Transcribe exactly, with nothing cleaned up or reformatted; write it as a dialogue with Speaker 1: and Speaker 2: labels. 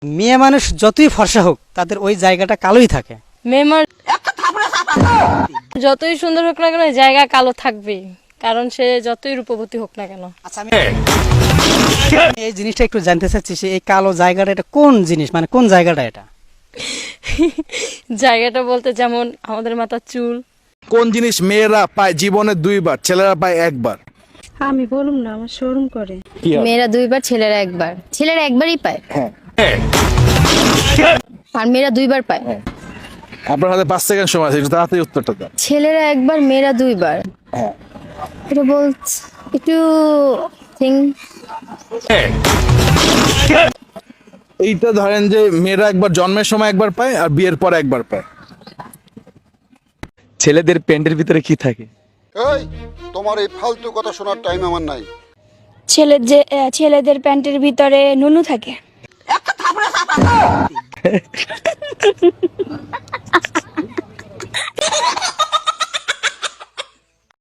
Speaker 1: মেয়ে মানুষ যতই ফর্সা হোক তাদের ওই জায়গাটা কালোই থাকে।
Speaker 2: মেয়ে মানুষ যতই সুন্দর হোক না কেন ওই জায়গা কালো থাকবেই, কারণ সে যতই রূপবতী হোক না কেন।
Speaker 1: আচ্ছা, আমি এই জিনিসটা একটু জানতে চাচ্ছি, সে এই কালো জায়গাটা এটা কোন জিনিস, মানে কোন জায়গাটা এটা?
Speaker 2: জায়গাটা বলতে যেমন আমাদের মাথার চুল।
Speaker 3: কোন জিনিস মেয়েরা পায় জীবনে দুইবার, ছেলেরা পায় একবার?
Speaker 4: আমি বলুম না, আমার শরম করে।
Speaker 5: মেয়েরা দুইবার, ছেলেরা একবার। ছেলেরা একবারই পায় আর মেয়েরা দুইবার পায়।
Speaker 3: আপনার হাতে পাঁচ সেকেন্ড সময় আছে, একটু তাড়াতাড়ি উত্তরটা দেন।
Speaker 5: ছেলেরা একবার, মেয়েরা দুইবার। এটা বলছ একটু থিং।
Speaker 3: এইটা ধরেন যে মেয়েরা একবার জন্মের সময় একবার পায় আর বিয়ের পর একবার পায়।
Speaker 6: ছেলেদের প্যান্টের ভিতরে কি থাকে?
Speaker 7: এই তোমার এই ফালতু কথা শোনার টাইম আমার নাই।
Speaker 4: ছেলে যে ছেলেদের প্যান্টের ভিতরে নুনু থাকে।